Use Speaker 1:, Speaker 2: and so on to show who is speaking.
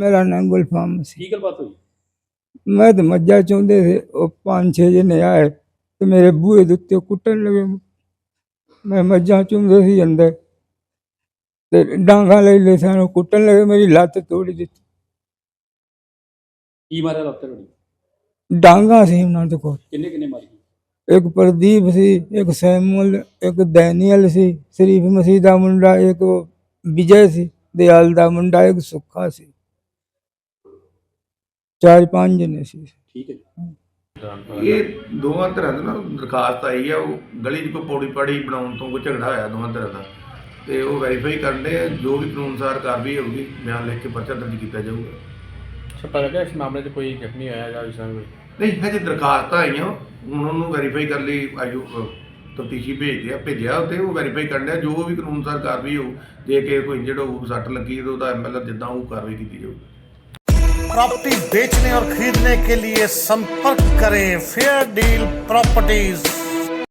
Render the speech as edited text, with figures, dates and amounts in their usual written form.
Speaker 1: मेरा नाम गुलफाम सी।
Speaker 2: ਕੀ ਗੱਲਬਾਤ ਹੋਈ?
Speaker 1: मैं तो मज्जा चाहते थे, वो 5-6 जने आए तो मेरे बूहे के उत्ते कुट्टन लगे। मैं मज्जा चुमदे सी अंदर ते डांगा ले ले सन, कुट्टन लगे, मेरी लत्त तोड़ी दी।
Speaker 2: ਕੀ ਮਾਰਿਆ ਲੱਤ ਤੁਹਾਡੀ?
Speaker 1: डांगा सी उन्हां दे कोल,
Speaker 2: ਕਿੰਨੇ ਕਿੰਨੇ ਮਾਰੀ?
Speaker 1: एक प्रदीप सी, एक सैमुअल, एक डैनियल सी, शरीफ मसीह दा मुंडा, एक विजय सी, दयाल दा मुंडा, एक सुखा सी। 4-5 जने सी।
Speaker 2: ਠੀਕ ਹੈ ਜੀ।
Speaker 3: ਇਹ ਦੋਵਾਂ ਧਿਰਾਂ ਦੀ ਨਾ ਦਰਖਾਸਤ ਆਈ ਆ, ਉਹ ਗਲੀ 'ਚ ਕੋਈ ਪੌੜੀ ਪਾੜੀ ਬਣਾਉਣ ਤੋਂ ਕੋਈ ਝਗੜਾ ਹੋਇਆ ਦੋਵਾਂ ਧਿਰਾਂ ਦਾ, ਤੇ ਉਹ ਵੈਰੀਫਾਈ ਕਰਦੇ ਆ, ਜੋ ਵੀ ਕਾਨੂੰਨ ਅਨੁਸਾਰ ਕਾਰਵਾਈ ਹੋਊਗੀ ਬਿਆਨ ਲਿਖ ਕੇ ਪਰਚਾ ਦਰਜ ਕੀਤਾ ਜਾਊਗਾ।
Speaker 4: ਪਤਾ ਲੱਗਾ ਇਸ ਮਾਮਲੇ 'ਚ ਕੋਈ ਜ਼ਖਮੀ ਹੋਇਆ ਜਾਂ ਇਸ ਤਰ੍ਹਾਂ ਕੋਈ?
Speaker 3: ਨਹੀਂ, ਹਜੇ ਦਰਖਾਸਤਾਂ ਆਈਆਂ, ਹੁਣ ਉਹਨੂੰ ਵੈਰੀਫਾਈ ਕਰਨ ਲਈ ਆਯੂ ਤਫਤੀਸ਼ੀ ਭੇਜਿਆ ਉੱਥੇ, ਉਹ ਵੈਰੀਫਾਈ ਕਰਨ ਡਿਆ, ਜੋ ਵੀ ਕਾਨੂੰਨ ਅਨੁਸਾਰ ਕਾਰਵਾਈ ਹੋਊ। ਜੇ ਕਿ ਕੋਈ ਇੰਜਰਡ ਹੋਊ, ਸੱਟ ਲੱਗੀ, ਤਾਂ ਉਹਦਾ MLR ਜਿੱਦਾਂ ਉਹ ਕਾਰਵਾਈ ਕੀਤੀ ਜਾਊਗੀ।
Speaker 5: प्रॉपर्टी बेचने और खरीदने के लिए संपर्क करें फेयर डील प्रॉपर्टीज।